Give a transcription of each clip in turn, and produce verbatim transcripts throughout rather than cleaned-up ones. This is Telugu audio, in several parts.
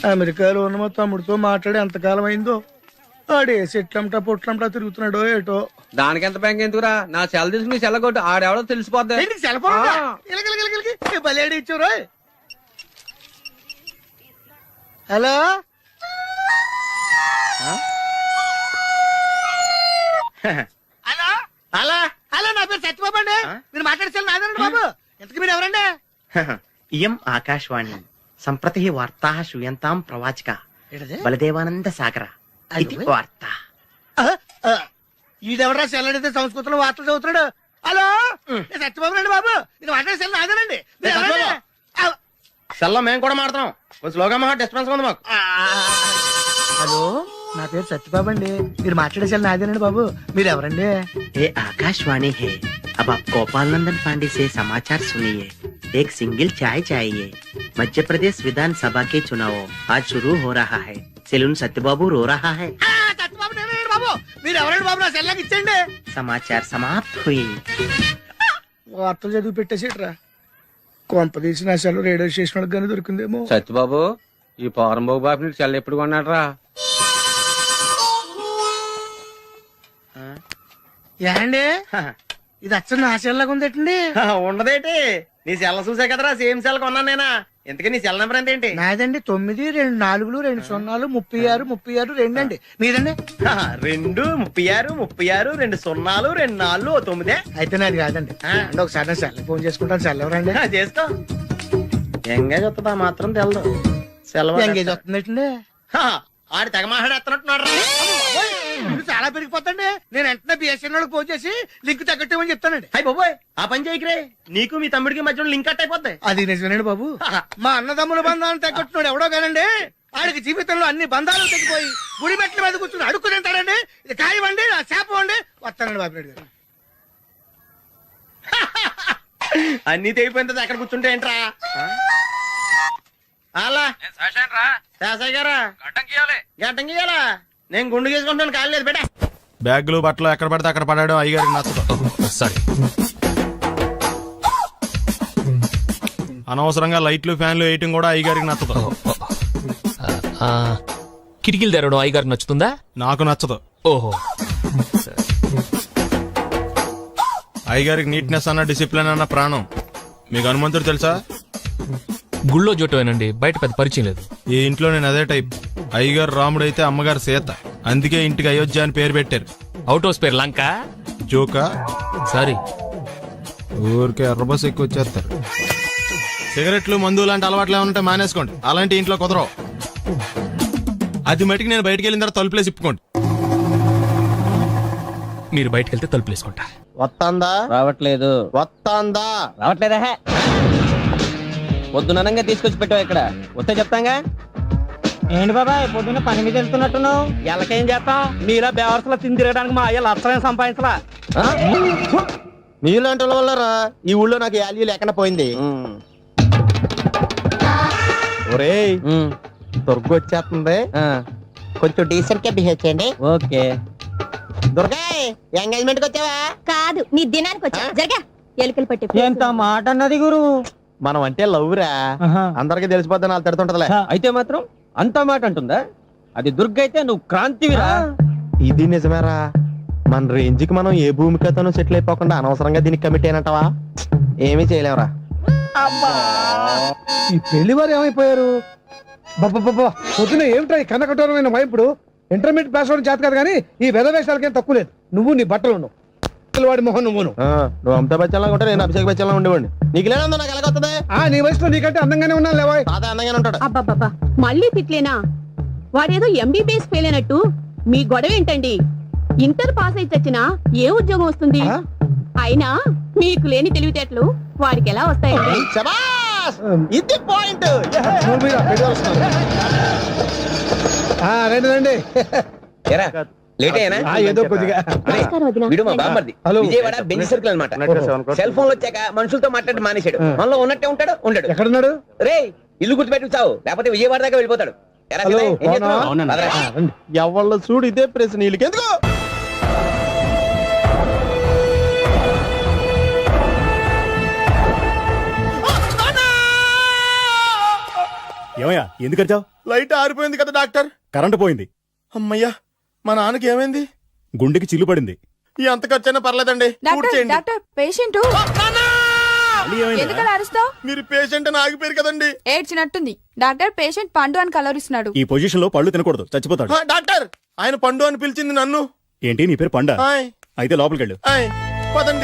అమెరికాలో ఉన్న మా తమ్ముడితో మాట్లాడి ఎంతకాలం అయిందో. ఆడే చెట్లంటా పొట్లంటా తిరుగుతున్నాడో ఏటో. దానికి ఎంత బ్యాంక్ ఎందుకురా? నా సెల్ తీసుకుని సెల్ కొట్టు, ఆడెవడో తెలిసిపోద్ది. సెల్ ఫోన్ బలేడి ఇచ్చారు. హలో హలో హలో హలో నా పేరు సత్యబాబు అండి. మీరు మాట్లాడేసారు నాదండి బాబు. ఎంతకు మీరు ఎవరండి? ఇయం ఆకాశవాణి సంప్రతి వార్తా శ్రూయంతాం ప్రవాచక బలదేవానంద సాగర ఇది వార్త. ఈడెవరా సెల్లడితే సంస్కృతంలో వార్తలు చదువుతున్నాడు. హలో నేను సత్యబాబు రండి బాబు. మీరు మాట్లాడేసారు నాదేనండి. సెల్లో మేము కూడా మాడతాం. కొంచెం స్లోగా మా డిస్టర్బెన్స్ ఉంది మాకు. హలో నా పేరు సత్యబాబు అండి. మీరు మాట్లాడేసారు నాదేనండి బాబు. మీరు ఎవరండి? ये आकाशवाणी है। अब आप गोपाल नंदन पांडे से समाचार सुनिए। एक सिंगल चाय चाहिए। मध्य प्रदेश विधानसभा के चुनाव आज शुरू हो रहा है। सेलून सत्यबाबू रो रहा है। సత్యబాబు నేనండి బాబు. మీరు ఎవరండి బాబు? నా సెల్లాకి ఇచ్చండి. समाचार समाप्त हुई। వార్తలు చదివి పెట్టేసేట్రా. కొంప తీసి నా సెల్ రేడియో స్టేషన్ వాళ్ళకి కానీ దొరికిందేమో. సత్యబాబు, ఈ పౌరంబాబు బాబు నీకు సెల్ ఎప్పుడు కొన్నాడరా? ఏండి ఇది అచ్చ నా సెల్లాగా ఉందేటండి. ఉండదేటి, నీ సెల్ల చూసా కదరా సేమ్ సెల్ కొన్నాను నేనా. ఎందుకే నీ సెల్ నెంబర్ ఎంతేంటి? నాదండి తొమ్మిది రెండు నాలుగులు రెండు సున్నాలు ముప్పై ఆరు ముప్పై ఆరు రెండు అండి. మీదండి? రెండు ముప్పై ఆరు ముప్పై ఆరు రెండు సున్నాలు రెండు నాలుగు తొమ్మిదే. అయితే నాది కాదండి. అంటే ఒకసారి నా సెల్ ఫోన్ చేసుకుంటాను. సెల్ ఎవరండి? చేసుకో. ఎంగేజ్ వస్తుందా మాత్రం తెలదు. సెలవు ఎంగేజ్ వస్తుందండి. ఆడి తెగ మాట్లాడేస్తున్నట్టున్నాడు. ఇప్పుడు చాలా పెరిగిపోతండి. నేను వెంటనే బిఎస్ఎన్ వాళ్ళకి ఫోన్ చేసి లింక్ తగ్గట్టమని చెప్తానండి. అయ్యి బాబోయ్, ఆ పని చేయకరే. నీకు మీ తమ్ముడికి మధ్యలో లింక్ కట్ అయిపోద్ది. అది నిజమేనండి బాబు. మా అన్నదమ్ముల బంధాలను తగ్గట్టున్నాడు ఎవడో కానండి. ఆడికి జీవితంలో అన్ని బంధాలు తగ్గిపోయి గుడి మెట్ల మీద కూర్చుని అడుక్కు తింటాడండి. ఇది కాయవండి, నా శాపం అండి. వస్తానండి బాబు నాయుడు గారు. అన్ని తెగిపోయింది. అక్కడ కూర్చుంటే ఏంట్రా? అలా శాసయ్య గారా గడ్డం గీయాలా? నేను గుండు గీసుకుంటాను. కాలేదు బేటా. బ్యాగులు బట్టలు ఎక్కడ పడితే అక్కడ పడాడు అయ్యగారికి నచ్చదు. సారీ. అనవసరంగా లైట్లు ఫ్యాన్లు వేయటం కూడా అయ్యగారికి నచ్చదు. కిటికీలు తెరవడం అయ్యగారికి నచ్చుతుందా? నాకు నచ్చదు. ఓహో. అయ్యగారికి నీట్నెస్ అన్న డిసిప్లిన్ అన్న ప్రాణం. మీకు హనుమంతుడు తెలుసా? గుళ్ళో జోటమేనండి, బయట పెద్ద పరిచయం లేదు. ఈ ఇంట్లో నేను అదే టైప్. అయ్యగారు రాముడు అయితే అమ్మగారు సీత. అందుకే ఇంటికి అయోధ్య అని పేరు పెట్టారు. అవుట్ హౌస్ పేరు లంక. జోకా? సారీ. ఊరికే ఎర్రబస్ ఎక్కువ వచ్చేస్తారు. సిగరెట్లు మందు లాంటి అలవాట్లు ఏమంటే మానేసుకోండి. అలాంటి ఇంట్లో కుదరవు. అది మటుకు నేను బయటకు వెళ్ళిన తర్వాత తలుపులేసి ఇప్పుకోండి. మీరు బయటకు వెళ్తే తలుపులు వేసుకుంటా. వస్తాందా? రావట్లేదు. వస్తాందా? రావట్లేదా? పొద్దునంగా తీసుకొచ్చి పెట్టావు ఇక్కడ. వస్తే చెప్తాంగా. ఏంటి బాబాయ్ పొద్దున్న పని మీద వెళ్తున్నట్టున్నావు? ఎలాకేం చేస్తాం? మీలా బేవర్సలా తిని తిరగడానికి మా అయ్య లక్షణం సంపాదించలా. మీలాంటి వాళ్ళ వల్లరా ఈ ఊళ్ళో నాకు వాల్యూ లేకుండా పోయింది. ఒరేయ్, దుర్గ వచ్చేస్తుంది. కొంచెం డీసెంట్ గా బిహేవ్ చేయండి. ఓకే. దుర్గా, ఎంగేజ్మెంట్ కి వచ్చావా? కాదు, నీ దినానికి వచ్చా. జరగా ఎలుకలు పట్టి. ఎంత మాట అన్నది గురు. మనం అంటే లవ్ రా. అందరికి తెలిసిపోద్ది. నాలుగు తిడుతుంటదిలే. అయితే మాత్రం అంత మాట అంటుందా? అది దుర్గ అయితే నువ్వు క్రాంతివిరా. ఇది నిజమేరా. మన రేంజ్ కి మనం ఏ భూమికతోనూ సెటిల్ అయిపోకుండా అనవసరంగా దీనికి కమిట్ అయినట్టవా? ఏమీ చేయలేవురా. ఈ పెళ్లి వారు ఏమైపోయారు? బాబా పొద్దున ఏమిటా ఈ కన్న కఠోరమైన వైపుడు? ఇంటర్మీడియట్ పాస్ అవడం చేత కాదు కానీ ఈ వెధవేషాలకేం తక్కువ లేదు. నువ్వు నీ బట్టలు ఉన్నావు, వాడి మొహన్ నువ్వు. నువ్వు అమితాబ్ బచ్చన్ లాగా ఉంటే నేను అభిషేక్ బచ్చన్ లాగా ఉండేవాడిని. నీకు లేనందో నాకు ఎలాగొస్తుంది? నీ వయసులో నీకంటే అందంగానే ఉన్నాను లేవా? తాత అందంగానే ఉంటాడు. అబ్బాబ్బా మళ్ళీ తిట్లేనా? వాడేదో ఎంబీబీఎస్ ఫెయిల్ అయినట్టు మీ గొడవ ఏంటండి? ఇంటర్ పాస్ అయితే వచ్చినా ఏ ఉద్యోగం వస్తుంది? అయినా మీకు లేని తెలివితేటలు వాడికి ఎలా వస్తాయండి? ఇది పాయింట్. రండి రండి. ఏదో కొద్దిగా విజయవాడ బెంచ్ సర్కిల్ అనమాట. సెల్ ఫోన్ వచ్చాక మనుషులతో మాట్లాడి మానేశాడు. మనలో ఉన్నట్టే ఉంటాడు. ఉండడు. ఎక్కడున్నాడు? రే ఇల్లు గుర్తుపెట్టి చావు, లేకపోతే విజయవాడ దాకా వెళ్ళిపోతాడు. ఎవళ్ళ చూడు ఇదే ప్రశ్న. వీళ్ళకి ఎందుకు? ఏమయ్యా ఎందుకు వచ్చావు? లైట్ ఆరిపోయింది కదా డాక్టర్. కరెంటు పోయింది. అమ్మయ్యా, మా నాన్నకి ఏమైంది? గుండెకి చిల్లు పడింది. ఎంత ఖర్చైనా పర్లేదండి, పూర్తి చేయండి. డాక్టర్ పేషెంట్ మళ్ళీ ఏమైందిరా? ఎందుకలా అరుస్తావు? మీరు పేషెంట్ అని ఆగిపోయారు కదండి. ఏడ్చినట్టుంది. డాక్టర్ పేషెంట్ పండు అని కలవరిస్తున్నాడు. ఈ పొజిషన్ లో పళ్ళు తినకూడదు, చచ్చిపోతాడు. ఆ, డాక్టర్, ఆయన పండు అని పిలిచింది నన్ను. ఏంటి నీ పేరు పండా? ఆయ్, అయితే లోపలికి వెళ్ళు. ఆయ్, పదండి.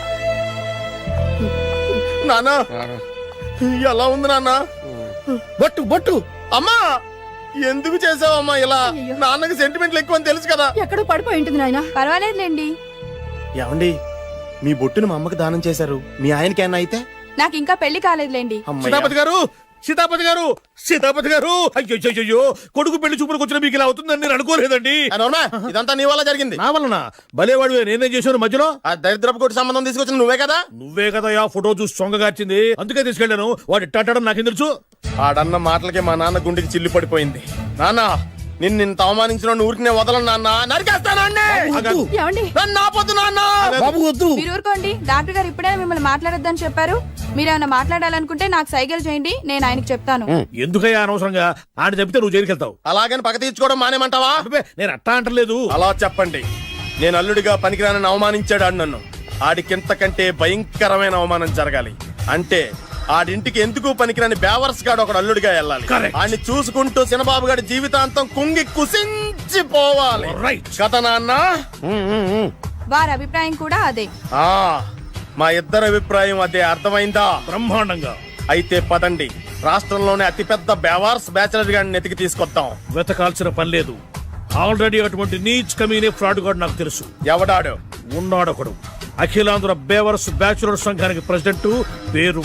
నానా, ఎలా ఉంది నాన్న? బొట్టు బొట్టు అమ్మా, ఎందుకు చేసావమ్మా ఇలా? నాన్నకి సెంటిమెంట్లు ఎక్కువ అని తెలుసు కదా. ఎక్కడో పడిపోయి ఉంటుంది నాయన. పర్వాలేదులేండి. ఏమండి, మీ బొట్టును మా అమ్మకి దానం చేశారు, మీ ఆయనకి ఏమన్నా అయితే? నాకు ఇంకా పెళ్లి కాలేదులేండి. సీతాపతి గారు సీతాపతి గారు సీతాపతి గారు అయ్యో కొడుకు పెళ్లి చూపులకు వచ్చిన మీకు ఇలా అవుతుందని నేను అనుకోలేదండి. అనోర్మా, ఇదంతా నీ వల్ల జరిగింది. నా వలన భలేవాడు నేనేం చేశాను మధ్యలో? ఆ దరిద్రపు కొట్టి సంబంధం తీసుకొచ్చిన నువ్వే కదా. నువ్వే కదా ఆ ఫోటో చూసి సొంగగార్చింది, అందుకే తీసుకెళ్ళాను. వాడు ఇట్టాడడం నాకేం తెలుసు? ఆడన్న మాటలకి మా నాన్న గుండెకి చిల్లు పడిపోయింది. నాన్న, నిన్ను ఇంత అవమానించిన ఊరికి నేను వదలను నాన్న, నరికేస్తాను అన్నే. ఏమండి? నన్ను ఆపొద్దు నాన్న. బాబు వద్దు. మీరు ఊరుకోండి. డాక్టర్ గారు ఇప్పుడే మిమ్మల్ని మాట్లాడొద్దని చెప్పారు. మీరేమైనా మాట్లాడాలనుకుంటే నాకు సైగలు చేయండి, నేను ఆయనకు చెప్తాను. ఎందుకయ్యా అనవసరంగా ఆడ చెప్తే నువ్వు జైలుకి వెళ్తావు. అలాగని పక్క తీర్చుకోవడం మానేమంటావా? అబ్బే, నేను అట్టా అంటలేదు. అలా చెప్పండి. నేను అల్లుడిగా పనికిరానని అవమానించాడు ఆడు నన్ను. ఆడికింతకంటే భయంకరమైన అవమానం జరగాలి. అంటే ఆడింటికి ఎందుకు పనికిరాని బేవర్స్ గాడు ఒకడు అల్లుడిగా వెళ్ళాలి. Correct. ఆడిని చూసుకుంటూ చిన్నబాబు గారి జీవితాంతం కుంగి కుసించిపోవాలి. Right. కదా నాన్న? వారి అభిప్రాయం కూడా అదే. ఆ, మా ఇద్దరి అభిప్రాయం అదే. అర్థమైందా? బ్రహ్మాండంగా. అయితే పదండి, రాష్ట్రంలోనే అతిపెద్ద బేవార్స్ బ్యాచిలర్ గాడిని ఎతికి తీసుకొద్దాం. వెతకాల్సిన పని లేదు. ఆల్రెడీ అటువంటి నీచ్ కమీనే ఫ్రాడ్ గాడు నాకు తెలుసు. ఎవడాడు? ఉన్నాడొకడు. అఖిలాంధ్ర బేవర్స్ బ్యాచులర్ సంఘానికి ప్రెసిడెంట్, పేరు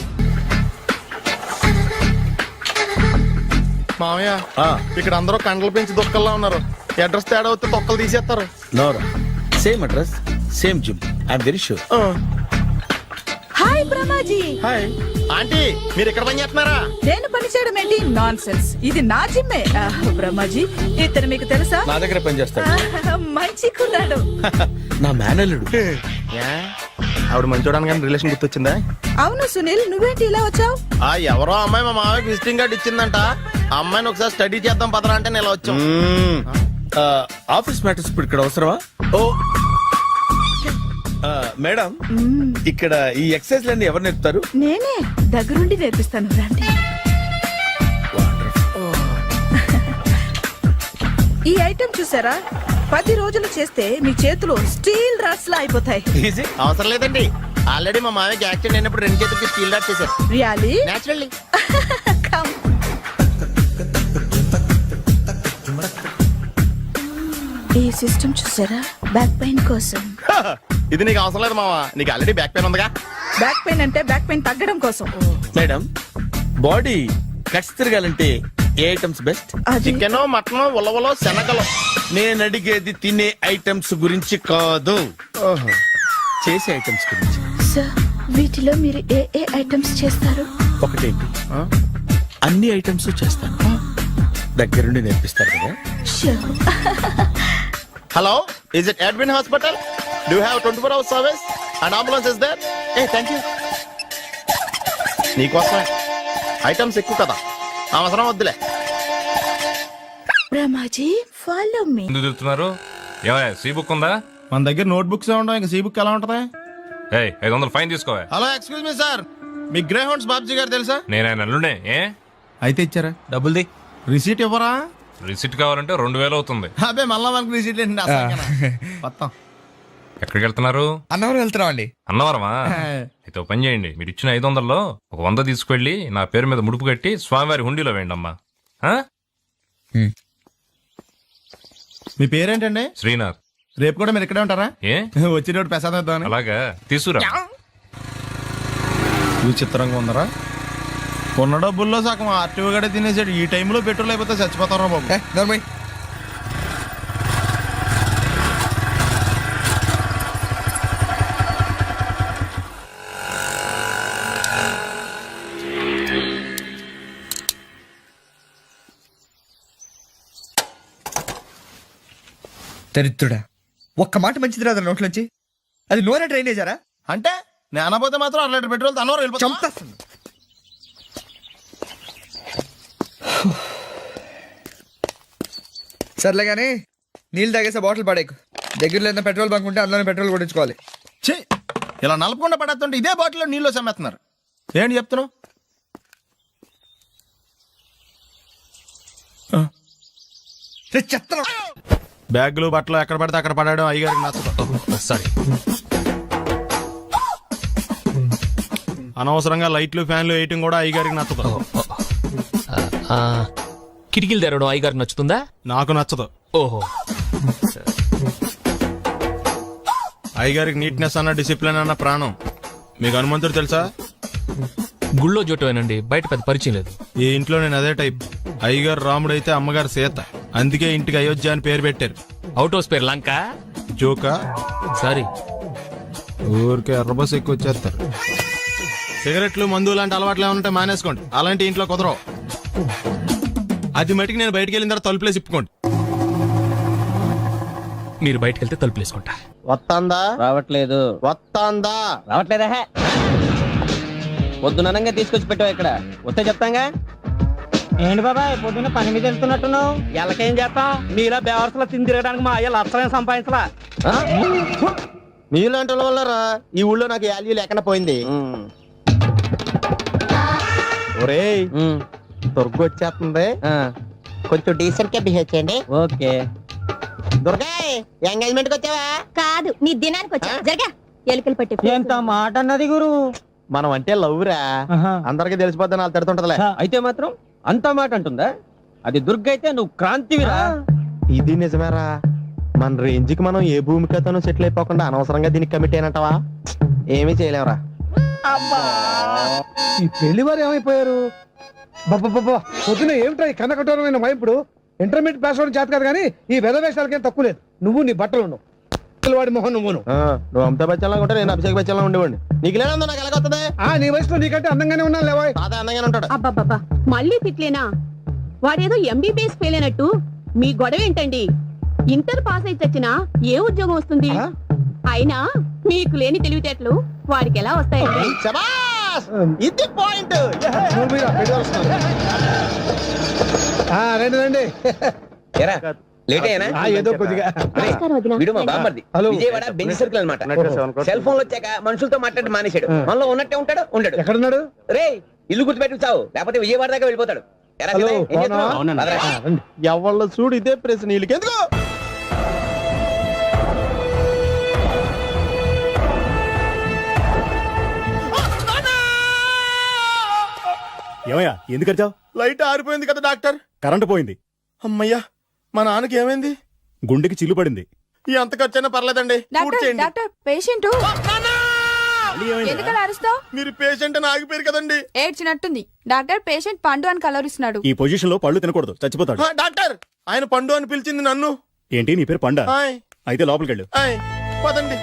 మామయ్య. ఇక్కడ అందరూ కండలు పెంచి దుక్కల్లా ఉన్నారు. అడ్రస్ తేడా వస్తే తొక్కలు తీసేస్తారు. నోరా same address same gym I'm very sure. Hi Brahmaji. Hi aunty, మీరు ఇక్కడ పని చేస్తున్నారా? నేను పని చేయడం ఏంటి? Nonsense. ఇది నా జిమ్మే. ఆహ్, బ్రహ్మాజీ ఇతను మీకు తెలుసా? నా దగ్గర పని చేస్తాడు. ఆహ్, మంచి కుర్రాడు. నా మేనల్లుడు. ఆవిడ మంచి చూడడానికి రిలేషన్ గుర్తొచ్చిందా? అవును సునీల్, నువ్వేంటి ఇలా వచ్చావు? ఆ, ఎవరో అమ్మాయి మా మామయ్యకి విజిటింగ్ కార్డు ఇచ్చిందంట. ఆ అమ్మాయిని ఒకసారి స్టడీ చేద్దాం పదరా అంటే నేను ఇలా వచ్చాం. ఆఫీస్ మ్యాటర్స్ ఇప్పుడు ఇక్కడ అవసరమా? ఓ ఆ, మేడం, ఇక్కడ ఈ ఎక్సర్సైజ్ లన్నీ ఎవరు నేర్పుతారు? నేనే దగ్గరుండి నేర్పిస్తాను, రండి. ఈ ఐటెం చూసారా? పది రోజులు చేస్తే మీ చేతులు స్టీల్ రాట్స్ లా అయిపోతాయి. ఈజీ. అవసరం లేదండి, ఆల్రెడీ మా మామయ్యకి యాక్సిడెంట్ అయినప్పుడు రెండు చేతులకి స్టీల్ డాట్ చేశారు. రియాలీ? నేచురల్లీ. Come. ఈ సిస్టమ్ చూసారా? బ్యాక్ పెయిన్ కోసం. ఇది నీకు అవసరం లేదు మావా, నీకు ఆల్రెడీ బ్యాక్ పెయిన్ ఉందిగా. బ్యాక్ పెయిన్ అంటే బ్యాక్ పెయిన్ తగ్గడం కోసం. మేడం, బాడీ కట్స్ తిరగాలంటే ఏ ఐటమ్స్ బెస్ట్? అది చికెన్, మటన్, ఉలవలో, శనగలు. నేను అడిగేది తినే ఐటమ్స్ గురించి కాదు, చేసే ఐటమ్స్ గురించి. సార్, వీటిలో మీరు ఏ ఏ ఐటమ్స్ చేస్తారు? ఒకటేంటి, అన్ని ఐటమ్స్ చేస్తాను. దగ్గరుండి నేర్పిస్తారు కదా. Sure. Hello, is it admin hospital? Do have twenty four hours service and ambulance is there? ఏ థ్యాంక్ యూ. నీకోసమే ఐటమ్స్ ఎక్కువ కదా, అవసరం వద్దులే. Brahmaji, follow me. ఎందుకు తిరుగుతున్నారు? ఏమయ్య, సీ బుక్ ఉందా? మన దగ్గర నోట్ బుక్స్ ఉండవు, ఇంకా సీ బుక్ ఎలా ఉంటది? ఏయ్, ఐదు వందలు ఫైన్ తీసుకోవా. హలో, ఎక్స్క్యూజ్ మీ సార్, మీ గ్రే హౌండ్స్ బాబ్జీ గారు తెలుసా? నేను ఆయన అల్లుడే. ఏ అయితే ఇచ్చారా? డబ్బుల్ది రిసీట్ ఇవ్వరా? రిసిట్ కావాలంటే రెండు వేలు అవుతుంది. అదే మళ్ళా మనకు రిసీట్ ఏంటి? మొత్తం ఎక్కడికి వెళ్తున్నారు? అన్నవరం వెళ్తున్నాం అండి. అన్నవరమా? అయితే ఒక పని చేయండి, మీరు ఇచ్చిన ఐదు వందల్లో ఒక వంద తీసుకెళ్లి నా పేరు మీద ముడుపు కట్టి స్వామివారి హుండీలో వేయండి అమ్మా. ఆ? మీ పేరేంటండి? శ్రీనాథ్. రేపు కూడా మీరు ఇక్కడే ఉంటారా? ఏ వచ్చినప్పుడు ప్రసాదం ఇద్దామని. అలాగా, తీసుకురా. విచిత్రంగా ఉందరా, ఉన్న డబ్బుల్లో సగం ఆర్టీఓ గడే తినేసాడు. ఈ టైంలో పెట్రోల్ అయిపోతే చచ్చిపోతారా బాబు. దరిద్రుడా, ఒక్క మాట మంచిది రాదు నోట్లోంచి. అది నూనె డ్రైనేజారా? అంటే నేను అనబోతే మాత్రం అర లీటర్ పెట్రోల్ తనవారు వెళ్ళిపోతాం. చంపేస్తుంది. సర్లే కానీ నీళ్ళు తాగేసే బాటిల్ పడేకు దగ్గరలో ఏదైనా పెట్రోల్ బంక్ ఉంటే అందులోనే పెట్రోల్ కొట్టించుకోవాలి. ఛీ, ఇలా నలపకుండా పడేస్తుంటే ఇదే బాటిల్లో నీళ్ళు సమ్మేస్తున్నారు. ఏంటి చెప్తున్నావు? చెత్త బ్యాగులు బట్టలు ఎక్కడ పడితే అక్కడ పడడం అయ్యగారికి నచ్చదు. సారీ. అనవసరంగా లైట్లు ఫ్యాన్లు వేయటం కూడా అయ్యగారికి నచ్చదు. కిటికీలు తెరవడం అయ్యగారికి నచ్చుతుందా? నాకు నచ్చదు. ఓహో. అయ్యగారికి నీట్నెస్ అన్న డిసిప్లిన్ అన్న ప్రాణం. మీకు హనుమంతుడు తెలుసా? గుళ్ళో జోటమేనండి, బయట పెద్ద పరిచయం లేదు. ఈ ఇంట్లో నేను అదే టైప్. అయ్యగారు రాముడు అయితే అమ్మగారు సీత. అందుకే ఇంటికి అయోధ్య అని పేరు పెట్టారు. అవుట్ హౌస్ పేరు లంక. జోకా? సారీ. ఊరికే ఎర్రబస్ ఎక్కువ వచ్చేస్తారు. సిగరెట్లు మందు లాంటి అలవాట్లు ఏమంటే మానేసుకోండి. అలాంటి ఇంట్లో కుదరవు. అది మటుకు నేను బయటికి వెళ్ళిన తర్వాత తలుపులేసి ఇప్పుకోండి. మీరు బయటకు వెళ్తే తలుపులు వేసుకుంటా. వస్తాందా? రావట్లేదు. వస్తాందా? రావట్లేదా? హే. పొద్దుననంగా తీసుకొచ్చి పెట్టావు ఇక్కడ. వస్తే చెప్తాంగా. ఏంటి బాబాయ్ పొద్దున్న పని మీద వెళ్తున్నట్టున్నావు? ఎలాకేం చేస్తాం? మీలా బేవర్సలో తిని తిరగడానికి మా అయ్య లక్షలేం సంపాదించలా. మీలాంటి వాళ్ళ వల్ల రా ఈ ఊళ్ళో నాకు వాల్యూ లేకుండా పోయింది. ఒరేయ్, దుర్గ వచ్చేస్తుంది, కొంచెం డీసెంట్ గా బిహేవ్ చేయండి. ఓకే. దుర్గా, ఎంగేజ్మెంట్ కి వచ్చావా? కాదు, నీ దినానికి వచ్చా. జరగా ఎలుకలు పట్టి ఎంత మాట అన్నది గురు. మనం అంటే లవ్ రా, అందరికి తెలిసిపోద్దని వాళ్ళు తిడుతుంటదిలే. అయితే మాత్రం అంత మాట అంటుందా? అది దుర్గ అయితే నువ్వు క్రాంతివిరా. ఇది నిజమేరా. మన రేంజ్ కి మనం ఏ భూమికతోనూ సెటిల్ అయిపోకుండా అనవసరంగా దీనికి కమిట్ అయినట్టవా? ఏమీ చేయలేవురా. ఈ పెళ్లి వారు ఏమైపోయారు? బాబా పొద్దున ఏమిటా ఈ కన్నకఠోరమైన వైపుడు? ఇంటర్మీడియట్ పాస్ అవడం చేత కాదు కానీ ఈ వెద వేషాలకేం తక్కువ లేదు. నువ్వు నీ బట్టలు ఉండవు, వాడి మొహం నువ్వును. నువ్వు అమితాబ్ బచ్చన్ ఉంటే నేను అభిషేక్ బచ్చన్ ఉండేవాడిని. నీకు లేదా నాకు ఎలాగొస్తుంది? ఆ నీ వయసులో నీకంటే అందంగానే ఉన్నాను లేవా? అదే అందంగానే ఉంటాడు. అబ్బాబ్బా మళ్ళీ తిట్లేనా? వాడేదో ఎంబీబీఎస్ ఫెయిల్ అయినట్టు మీ గొడవ ఏంటండి? ఇంటర్ పాస్ అయితే చచ్చినా ఏ ఉద్యోగం వస్తుంది? అయినా మీకు లేని తెలివితేటలు వాడికి ఎలా వస్తాయండి? శబాష్! ఇది పాయింట్. రండి రండి. లేట్ అయ్యానా? ఏదో కొద్దిగా. నమస్కారం వదినా. వీడు మా బామ్మర్ది. హలో. విజయవాడ బెంజ్ సర్కిల్ అన్నమాట. సెల్ ఫోన్ వచ్చాక మనుషులతో మాట్లాడి మానేశాడు. మనలో ఉన్నట్టే ఉంటాడు ఉండడు. ఎక్కడున్నాడు? రే ఇల్లు గుర్తుపెట్టి చావు, లేకపోతే విజయవాడ దాకా వెళ్ళిపోతాడు. ఎరా హలో, సీతయ్య, ఏం చేస్తున్నావు? బాగున్నాను. అదరా. ఎవళ్ళ చూడు ఇదే ప్రశ్న. వీళ్ళకి ఎందుకు? ఏమయ్యా ఎందుకు వచ్చావు? లైట్ ఆరిపోయింది కదా డాక్టర్. కరెంటు పోయింది. అమ్మయ్యా, మా నాన్నకి ఏమైంది? గుండెకి చిల్లు పడింది. ఎంత ఖర్చైనా పర్లేదండి. డాక్టర్ డాక్టర్ పేషెంట్ మళ్ళీ ఏమైంది? ఎందుకలా అరుస్తావు? మీరు పేషెంట్ అని ఆగిపోయారు కదండి. ఏడ్చినట్టుంది. డాక్టర్ పేషెంట్ పండు అని కలరిస్తున్నాడు. ఈ పొజిషన్ లో పళ్ళు తినకూడదు, చచ్చిపోతాడు. ఆ, డాక్టర్ ఆయన పండు అని పిలిచింది నన్ను. ఏంటి నీ పేరు పండ? ఆయ్, అయితే లోపలికి వెళ్ళు. ఆయ్, పదండి.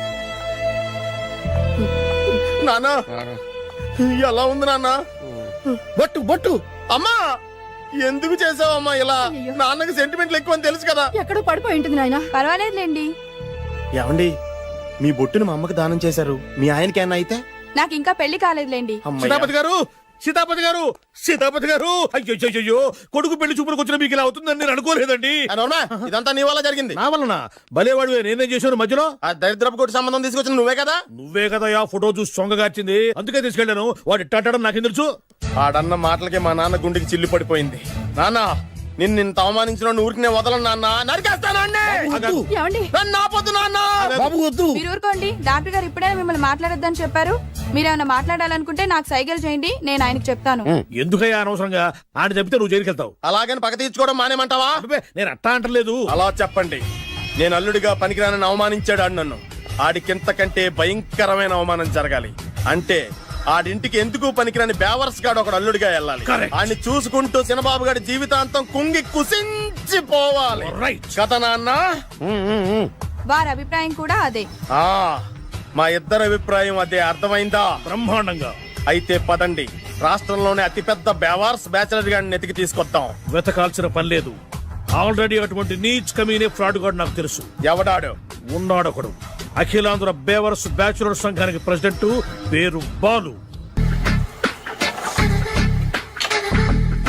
నాన్న ఎలా ఉంది నాన్న? బొట్టు బొట్టు. అమ్మా ఎందుకు చేసావమ్మా ఇలా? నాన్నకి సెంటిమెంట్లు ఎక్కువ అని తెలుసు కదా. ఎక్కడో పడిపోయి ఉంటుంది నాయన. పర్వాలేదులేండి. ఏమండి, మీ బొట్టును మా అమ్మకి దానం చేశారు. మీ ఆయనకి ఏమన్నా అయితే? నాకు ఇంకా పెళ్లి కాలేదులేండి. సీతాపతి గారు సీతాపతి గారు సీతాపతి గారు అయ్యో అయ్యో కొడుకు పెళ్లి చూపులకు వచ్చిన మీకు ఇలా అవుతుందని నేను అనుకోలేదండి. అవునా? ఇదంతా నీ వల్ల జరిగింది. నా వలన భలేవాడు నేనేం చేశాను మధ్యలో? ఆ దరిద్రపు కొట్టి సంబంధం తీసుకొచ్చిన నువ్వే కదా. నువ్వే కదా ఆ ఫోటో చూసి సొంగగార్చింది, అందుకే తీసుకెళ్ళాను. వాడు ఇట్టాడని నాకేం తెలుసు? ఆడన్న మాటలకి మా నాన్న గుండెకి చిల్లు పడిపోయింది. నాన్న నిన్ను నిన్ను అవమానించిన ఊరికి నేను వదలను నాన్న. నరికేస్తాను ఏమండి? నన్ను ఆపొద్దు నాన్న. బాబు వద్దు. మీరు ఊరుకోండి. డాక్టర్ గారు ఇప్పుడే మిమ్మల్ని మాట్లాడొద్దని చెప్పారు. మీరేమైనా మాట్లాడాలనుకుంటే నాకు సైగలు చేయండి, నేను ఆయనకు చెప్తాను. ఎందుకయ్యా అనవసరంగా ఆయన చెప్తే నువ్వు జైలుకెళ్తావు? అలాగని పక్క తీర్చుకోవడం మానేమంటావా? అబ్బే, నేను అట్టా అంటలేదు. అలా చెప్పండి. నేను అల్లుడిగా పనికిరానని అవమానించాడు ఆడు నన్ను. ఆడికింతకంటే భయంకరమైన అవమానం జరగాలి. అంటే ఆడింటికి ఎందుకు పనికిరాని బేవర్స్ గాడు ఒకడు అల్లుడిగా వెళ్ళాలి. ఆడిని చూసుకుంటూ చిన్నబాబు గారి జీవితాంతం కుంగి కుసించిపోవాలి. కదా నాన్న? వారి అభిప్రాయం కూడా అదే. ఆ మా ఇద్దరి అభిప్రాయం అదే. అర్థమైందా? బ్రహ్మాండంగా. అయితే పదండి, రాష్ట్రంలోనే అతిపెద్ద బేవార్స్ బ్యాచిలర్ గాడిని ఎతికి తీసుకొద్దాం. వెతకాల్సిన పని లేదు. ఆల్రెడీ అటువంటి నీచ్ కమీనే ఫ్రాడ్ గాడు నాకు తెలుసు. ఎవడాడు? ఉన్నాడొకడు. అఖిలాంధ్ర బేవర్స్ బ్యాచులర్ సంఘానికి ప్రెసిడెంట్, పేరు బాలు.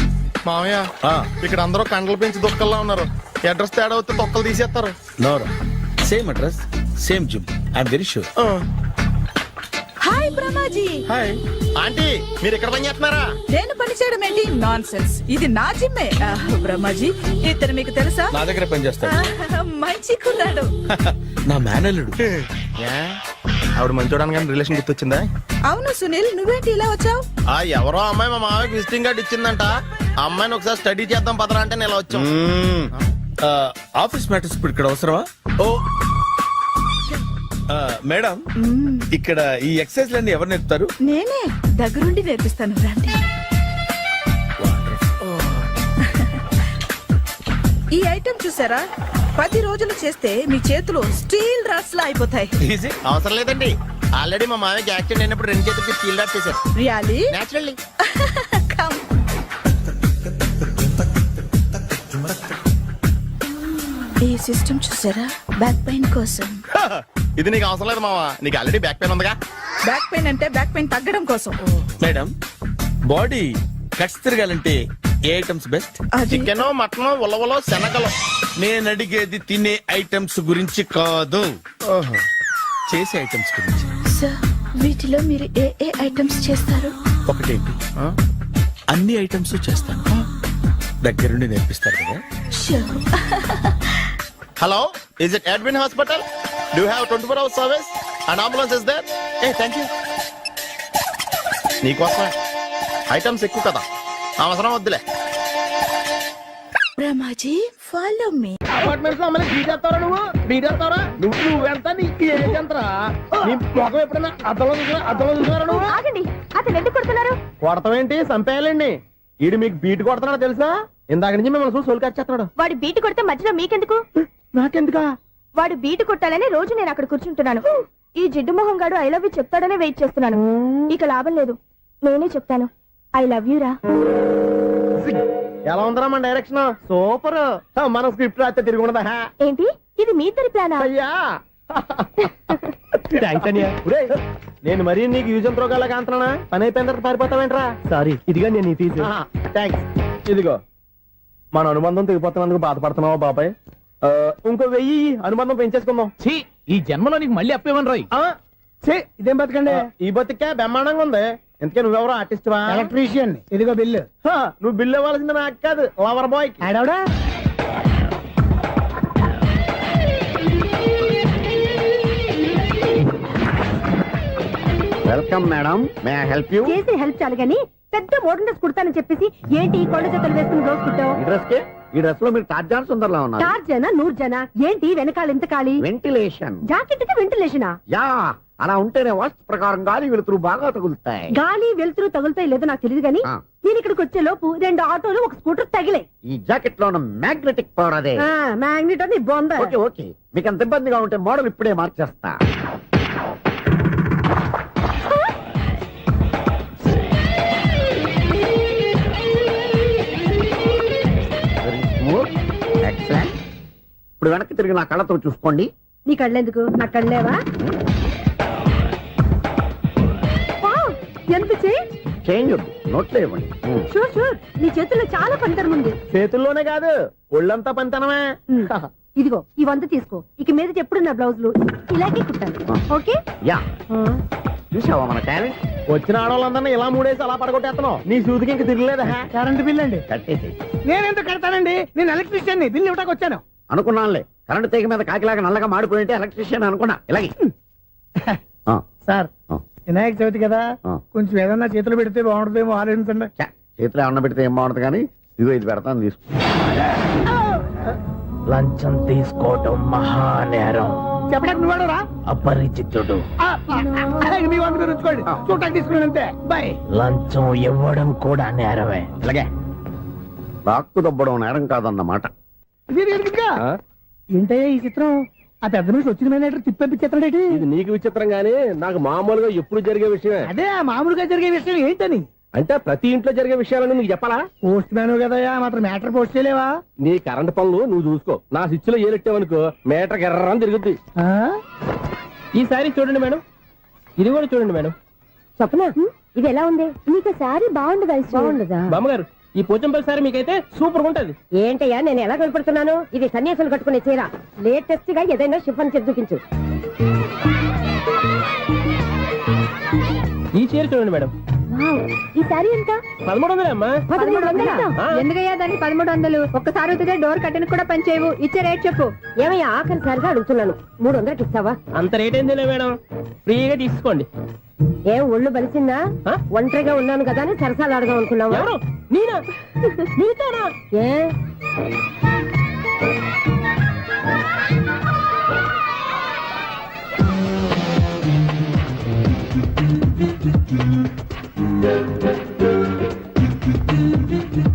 మామయ్య ఇక్కడ అందరూ కండలు పెంచి దుక్కల్లా ఉన్నారు. అడ్రస్ తేడా వస్తే తొక్కలు తీసేస్తారు. నోరా same address same gym I'm very sure. Hi Brahmaji. Hi aunty, మీరు ఇక్కడ పని చేస్తున్నారా? నేను పని చేయడం ఏంటి? Nonsense. ఇది నా జిమ్మే. ఆహ్, బ్రహ్మాజీ ఇతను మీకు తెలుసా? నా దగ్గర పని చేస్తాడు. ఆహ్, మంచి కుర్రాడు. నా మేనల్లుడు. ఏ? ఆవిడ మంచోడానికి కానీ రిలేషన్ గుర్తొచ్చిందా? అవును సునీల్, నువ్వేంటి ఇలా వచ్చావు? ఆ ఎవరో అమ్మాయి మా మామయ్యకి విజిటింగ్ కార్డు ఇచ్చిందంట. ఆ అమ్మాయిని ఒకసారి స్టడీ చేద్దాం పదరా అంటే నేను ఇలా వచ్చాం. ఆఫీస్ మ్యాటర్స్ ఇప్పుడు ఇక్కడ అవసరమా? ఓ ఆ, మేడం, ఇక్కడ ఈ ఎక్సర్సైజ్ లన్నీ ఎవరు నేర్పుతారు? నేనే దగ్గరుండి నేర్పిస్తాను, రండి. ఈ ఐటెం చూసారా? పది రోజులు చేస్తే మీ చేతులు స్టీల్ రాట్స్ లా అయిపోతాయి. ఈజీ. అవసరం లేదండి, ఆల్రెడీ మా మామయ్యకి యాక్సిడెంట్ అయినప్పుడు రెండు చేతులకి స్టీల్ డాట్ చేశారు. రియాలీ? నేచురల్లీ. Come. ఈ సిస్టమ్ చూసారా? బ్యాక్ పెయిన్ కోసం. ఇది నీకు అవసరం లేదు మావా, నీకు ఆల్రెడీ బ్యాక్ పెయిన్ ఉందిగా. బ్యాక్ పెయిన్ అంటే బ్యాక్ పెయిన్ తగ్గడం కోసం. మేడం, బాడీ కట్స్ తిరగాలంటే ఏ ఐటమ్స్ బెస్ట్? అది చికెన్, మటన్, ఉలవలో, శనగలు. నేను అడిగేది తినే ఐటమ్స్ గురించి కాదు, చేసే ఐటమ్స్ గురించి. సార్, వీటిలో మీరు ఏ ఏ ఐటమ్స్ చేస్తారు? ఒకటేంటి, అన్ని ఐటమ్స్ చేస్తాను. దగ్గరుండి నేర్పిస్తారు కదా. Sure. Hello, is it admin hospital? Do have twenty four hours service and ambulance is there? ఏ థ్యాంక్ యూ. నీకోసమే ఐటమ్స్ ఎక్కువ కదా, అవసరం వద్దులే. బ్రహ్మాజీ, ఫాలో మీ. అపార్ట్మెంట్స్ లో అమ్మని బీటేస్తావరా నువ్వు? బీటేస్తావరా నువ్వు? నువ్వెంత నీకు ఏంటంతరా? నీ మొఖం ఎప్పుడైనా అద్దంలో చూసినా అద్దంలో చూసినారా నువ్వు? ఆగండి, అతను ఎందుకు కొడుతున్నారు? కొడతావేంటి? చంపేయాలండి. ఈడు మీకు బీట్ కొడుతున్నాడు తెలుసా? ఇందాక నుంచి మిమ్మల్ని చూసి సోల్కొచ్చేస్తున్నాడు. వాడు బీటు కొడితే మధ్యలో మీకెందుకు? నాకెందుకా? వాడు బీటు కొట్టాలని రోజు నేను అక్కడ కూర్చుంటున్నాను. ఈ జిడ్డు మొహం గాడు ఐ లవ్ యూ చెప్తాడనే వెయిట్ చేస్తున్నాను. ఇక లాభం లేదు, నేనే చెప్తాను. ఐ లవ్ యూ రా. ఎలా ఉందరా మన డైరెక్షన్? సూపర్. మన స్క్రిప్ట్ రాస్తే తిరిగి ఉండదా? ఏంటి ఇది మీ ఇద్దరి ప్లానా? అయ్యా థ్యాంక్స్ అనియా. నేను మరీ నీకు యూజ్ అంత రోగాలకు అంటున్నా. పని అయిపోయిన తర్వాత పారిపోతావేంట్రా? సారీ, ఇదిగా నేను ఈ ఫీజు. థ్యాంక్స్. ఇదిగో, మన అనుబంధం తెగిపోతున్నందుకు బాధపడుతున్నావా బాబాయ్? ఆ, ఇంకో వెయ్యి అనుబంధం పెంచేసుకుందాం. ఈ జన్మలో నీకు మళ్ళీ అప్పేమని రాయి. ఇదేం బతకండి? ఈ బతికే బ్రహ్మాండంగా ఉంది. ఎందుకే నువ్వెవరో ఆర్టిస్ట్ వా? ఎలక్ట్రీషియన్. ఇదిగో బిల్లు. నువ్వు బిల్లు ఇవ్వాల్సింది నాకు కాదు, లవర్ బాయ్. ఆడవడా? Welcome madam, may I help you? చేసి హెల్ప్ చాలు గాని పెద్ద మోడల్ డ్రెస్ కుడతానని చెప్పేసి ఏంటి ఈ కొండ జతలు వేసుకుని రోజు కుట్టావు? ఈ డ్రెస్ కే ఈ డ్రెస్ లో మీరు టార్జాన్ సుందర్లా ఉన్నారు. చార్ జన నూరు జన ఏంటి వెనకాల ఎంత ఖాళీ? వెంటిలేషన్. జాకెట్ కి వెంటిలేషనా? యా, అలా ఉంటేనే వాస్తు ప్రకారం గాలి వెలుతురు బాగా తగులుతాయి. గాలి వెలుతురు తగులుతాయి లేదో నాకు తెలియదు గానీ ఆ. నేను ఇక్కడికి వచ్చే లోపు రెండు ఆటోలు ఒక స్కూటర్ తగిలే. ఈ జాకెట్ లో ఉన్న మ్యాగ్నెటిక్ పవర్ అదే. మ్యాగ్నెట్ అని బొంద. ఓకే ఓకే, మీకు అంత ఇబ్బందిగా ఉంటే మోడల్ ఇప్పుడే మార్చేస్తా. ఎక్సలెంట్. ఇప్పుడు వెనక్కి తిరిగి నా కళ్ళతో చూసుకోండి. నీ కళ్ళెందుకు? నా కళ్ళేవా? వావ్, ఎంత చేంజ్. చేంజ్ నోట్లో ఇవ్వండి. షూర్ షూర్, నీ చేతుల్లో చాలా పనితనం ఉంది. చేతుల్లోనే కాదు, ఒళ్ళంతా పనితనమే. ఉమ్, ఇదిగో ఈ వంద తీసుకో. ఇక మీద ఎప్పుడు నా బ్లౌజులు ఇలాగే కుట్టాను. ఓకే? యా, చూసావా మన టాలెంట్? వచ్చిన ఆడవాళ్ళందరినీ ఇలా మూడేసి అలా పడగొట్టేస్తున్నావు. నీ సూదికి ఇంక తిరగలేదా? కరెంట్ బిల్ అండి. కట్టేసి. నేనెందుకు కడతానండి? నేను ఎలక్ట్రీషియన్, బిల్లు ఇవ్వడానికి వచ్చాను. అనుకున్నానులే, కరెంట్ తీగ మీద కాకిలాగా నల్లగా మాడిపోయింటే ఎలక్ట్రీషియన్ అనుకున్నా. ఇలాగే ఆ, సార్, ఆ. వినాయక చవితి కదా, ఆ. కొంచెం ఏదన్నా చేతులు పెడితే బాగుంటుందేమో ఆలోచించండి. ఛ, చేతిలో అన్న పెడితే ఏం బాగుంటుంది కానీ ఇదిగో ఇది పెడతాను, తీసుకో. లంచం తీసుకోవటం మహానేరం. చెప్పడానికి నువ్వు రా. అపరిచితుడు. మీ వంద మీరు ఉంచుకోండి, చూడటానికి తీసుకున్నాను అంతే. బాయ్. లంచం ఇవ్వడం కూడా నేరమే. ఇలాగే రాక్కు దబ్బడం నేరం కాదన్నమాట. ఏంటయ్యా ఈ చిత్రం? ఆ పెద్ద నుంచి వచ్చిన మేనేటర్ తిప్పించేస్తాడేటి? ఇది నీకు విచిత్రం గానీ నాకు మామూలుగా ఎప్పుడు జరిగే విషయమే. అదే ఆ మామూలుగా జరిగే విషయం ఏంటని? అంటే ప్రతి ఇంట్లో జరిగే విషయాలను నీకు చెప్పాలా? పోస్ట్ మ్యాన్ కదయ్యా, మాత్రం మ్యాటర్ పోస్ట్ చేయలేవా? నీ కరెంట్ పనులు నువ్వు చూసుకో. నా స్విచ్ లో ఏలెట్టావనుకో మీటర్ ఎర్రని తిరుగుద్ది. ఈసారి చూడండి మేడం, ఇది కూడా చూడండి మేడం. చెప్పనా? ఇది ఎలా ఉంది? నీకు సారీ బాగుండదా? బాగుండదా? బామ్మగారు ఈ పోచంపల్లి సారీ మీకైతే సూపర్ ఉంటది. ఏంటయ్యా నేను ఎలా కనపడుతున్నాను? ఇది సన్యాసులు కట్టుకునే చీర. లేటెస్ట్ గా ఏదైనా షిఫన్ చేసి చూపించు. ఈ చీర చూడండి మేడం. ఈ సారీ ఎంత? పదమూడు వందలే అమ్మా. పదమూడు వందలా? ఆ. ఎందుకయ్యా దానికి పదమూడు వందలు? ఒక్కసారి అవుతుందే డోర్ కట్టను కూడా పనిచేయవు. ఇచ్చే రేట్ చెప్పు. ఏమయ్యా ఆఖరిసారిగా అడుగుతున్నాను, మూడు వందలకి ఇస్తావా? అంత రేట్ ఏంది మేడం, ఫ్రీగా తీసుకోండి. ఏం ఒళ్ళు బలిసిందా? ఆ? ఒంటరిగా ఉన్నాను కదా అని సరసాలు అడగా అనుకున్నావా? ఎవరు? నేనా? నీతోనా? ఏ